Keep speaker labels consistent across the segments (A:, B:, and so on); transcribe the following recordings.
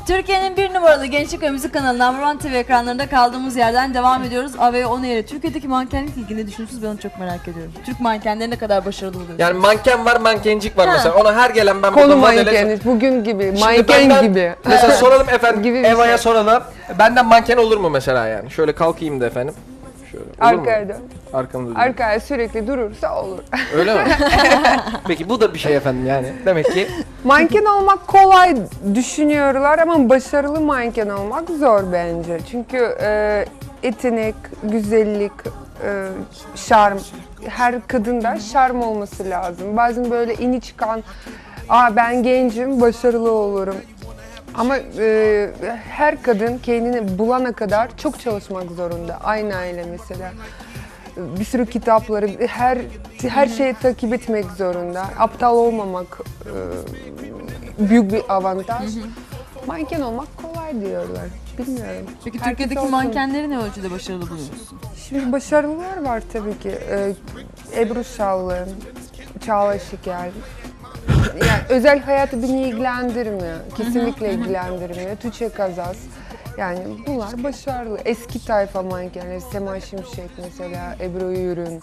A: Türkiye'nin bir numaralı gençlik ve müzik kanalı Number One TV ekranlarında kaldığımız yerden devam ediyoruz. AVE On Air'e Türkiye'deki mankenlik ilgili ne düşünüyorsunuz? Ben onu çok merak ediyorum. Türk mankenleri ne kadar başarılı buluyorsunuz?
B: Yani manken var, mankencik var
A: Ha.
B: mesela. Ona her gelen ben
C: Konu
B: burada modele...
C: mankeni, bugün gibi,
B: Şimdi
C: manken
B: benden-
C: gibi.
B: Mesela soralım efendim,
C: Gibi bir
B: Eva'ya
C: şey.
B: soralım. Benden manken olur mu mesela yani? Şöyle kalkayım da efendim. Şöyle, olur
C: Arkaya
B: mu?
C: dön.
B: Arkamda dön.
C: Arkaya sürekli durursa olur.
B: Öyle mi? Peki bu da bir şey efendim yani. Demek ki
C: Manken olmak kolay düşünüyorlar ama başarılı manken olmak zor bence. Çünkü yetenek, güzellik, şarm, her kadında şarm olması lazım. Bazen böyle ini çıkan, ben gencim, başarılı olurum. Ama her kadın kendini bulana kadar çok çalışmak zorunda. Aynı aile mesela. Bir sürü kitapları, her şeyi takip etmek zorunda. Aptal olmamak büyük bir avantaj. Manken olmak kolay diyorlar. Bilmiyorum.
A: Peki
C: Herkes
A: Türkiye'deki
C: olsun.
A: mankenleri ne ölçüde başarılı buluyorsun?
C: Şimdi başarılılar var tabii ki. Ebru Şallı, Çağla Şikel. Yani özel hayatı beni ilgilendirmiyor. Kesinlikle ilgilendirmiyor. Tuğçe Kazaz. Yani bunlar başarılı. Eski tayfa mankenleri. Sema Şimşek mesela, Ebru Yürün.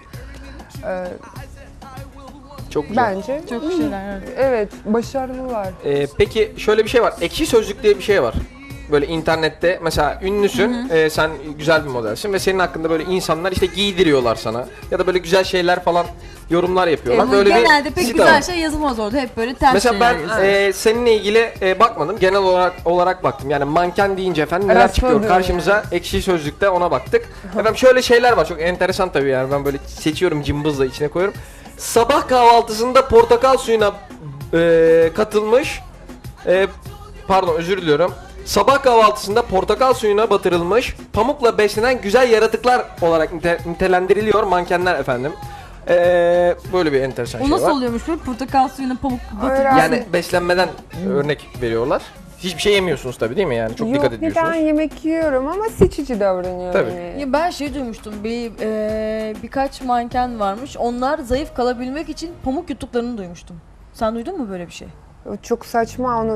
B: çok güzel.
C: Bence
A: Çok şeyler. Evet.
C: evet, başarılılar.
B: Peki şöyle bir şey var. Ekşi Sözlük diye bir şey var. Böyle internette mesela ünlüsün, sen güzel bir modelsin ve senin hakkında böyle insanlar işte giydiriyorlar sana ya da böyle güzel şeyler falan yorumlar yapıyorlar.
A: Ama
B: Böyle
A: genelde
B: bir
A: pek
B: site
A: güzel
B: var.
A: şey yazılmaz orada. Hep böyle ters
B: Mesela
A: şeyler
B: ben
A: yazıyor.
B: seninle ilgili bakmadım. Genel olarak baktım. Yani manken deyince efendim neler
C: Rastladım
B: çıkıyor karşımıza.
C: yani.
B: Ekşi Sözlük'te ona baktık. Efendim şöyle şeyler var. Çok enteresan tabii yani. Ben böyle seçiyorum, cımbızla içine koyuyorum. Sabah kahvaltısında portakal suyuna katılmış. Pardon, özür diliyorum. Sabah kahvaltısında portakal suyuna batırılmış, pamukla beslenen güzel yaratıklar olarak nitelendiriliyor mankenler efendim. Böyle bir enteresan
A: O
B: şey
A: nasıl
B: var.
A: oluyormuş böyle portakal suyuna pamuk batırıyor.
C: Öğren-
B: Yani beslenmeden örnek veriyorlar. Hiçbir şey yemiyorsunuz tabii değil mi yani? Çok dikkat
C: Yok,
B: ediyorsunuz.
C: ben yemek yiyorum ama seçici davranıyorum.
B: Tabii.
C: Yani.
A: Ya ben şey duymuştum, birkaç manken varmış. Onlar zayıf kalabilmek için pamuk yuttuklarını duymuştum. Sen duydun mu böyle bir şey?
C: Çok saçma onu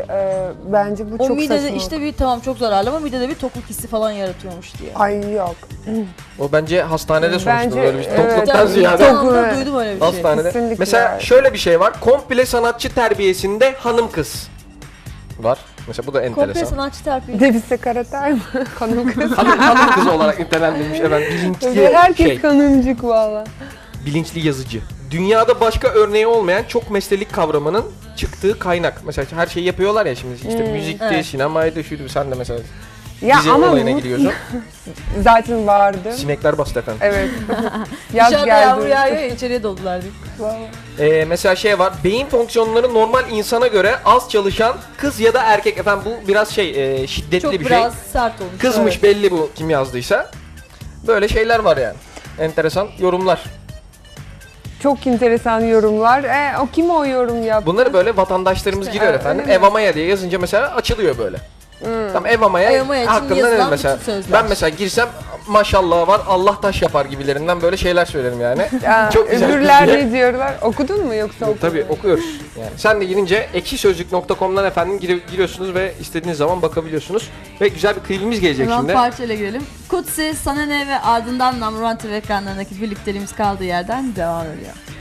C: bence bu
A: O
C: çok
A: midede
C: saçma.
A: işte bir tamam çok zararlı ama midede bir tokluk hissi falan yaratıyormuş diye.
C: Ay yok.
B: O bence hastanede sonuçta
C: Bence,
B: böyle bir
C: evet.
B: topluluktan ziyade.
A: İnsanlarda duydum öyle bir şey.
B: Hastanede.
C: Kesinlikle.
B: Mesela şöyle bir şey var. Komple sanatçı terbiyesinde hanım kız var. Mesela bu da
A: Komple
B: enteresan.
A: sanatçı terfi.
C: Debise Karatay mı? Kanım kız.
B: Hanım kız olarak nitelendirilmiş efendim. Bilinçli
C: Herkes kanımcık valla.
B: bilinçli yazıcı. Dünyada başka örneği olmayan çok meslelik kavramının çıktığı kaynak. Mesela her şeyi yapıyorlar ya şimdi işte müzikti,
A: evet.
B: sinemaydı, şuydu. Sen de mesela
C: Ya
B: dizi
C: ama
B: olayına
C: bu
B: giriyorsun.
C: zaten vardı.
B: Sinekler bastı efendim.
C: Evet. Yaz
A: Dışarıda yağmur
C: geldi.
A: yağıyor ya, içeriye doldular diye.
C: Vallahi.
B: Mesela şey var. Beyin fonksiyonları normal insana göre az çalışan kız ya da erkek. Efendim bu biraz şiddetli
A: Çok
B: bir
A: biraz
B: şey.
A: sert olmuş.
B: Kızmış
A: Evet.
B: belli bu kim yazdıysa. Böyle şeyler var yani. Enteresan yorumlar.
C: Çok enteresan yorumlar. O kim o yorum yaptı?
B: Bunları böyle vatandaşlarımız
A: İşte,
B: giriyor
C: evet,
B: efendim.
C: öyle mi?
B: Eva Maya diye yazınca mesela açılıyor böyle. Tamam Eva Maya
A: Eva Maya için
B: hakkında
A: yazılan
B: ne mesela?
A: bütün sözler.
B: Ben mesela girsem maşallah var Allah taş yapar gibilerinden böyle şeyler söylerim yani.
C: Ya,
B: Çok güzel
C: öbürler
B: diye.
C: ne diyorlar? Okudun mu yoksa okudun
B: Tabii
C: mu?
B: okuyoruz. Yani sen de girince ekşisözlük.com'dan efendim giriyorsunuz ve istediğiniz zaman bakabiliyorsunuz. Ve güzel bir klibimiz gelecek
A: Hemen
B: şimdi.
A: parçayla girelim. Kutsi, Sana Ne ve ardından Number One TV ekranlarındaki birlikteliğimiz kaldığı yerden devam ediyor.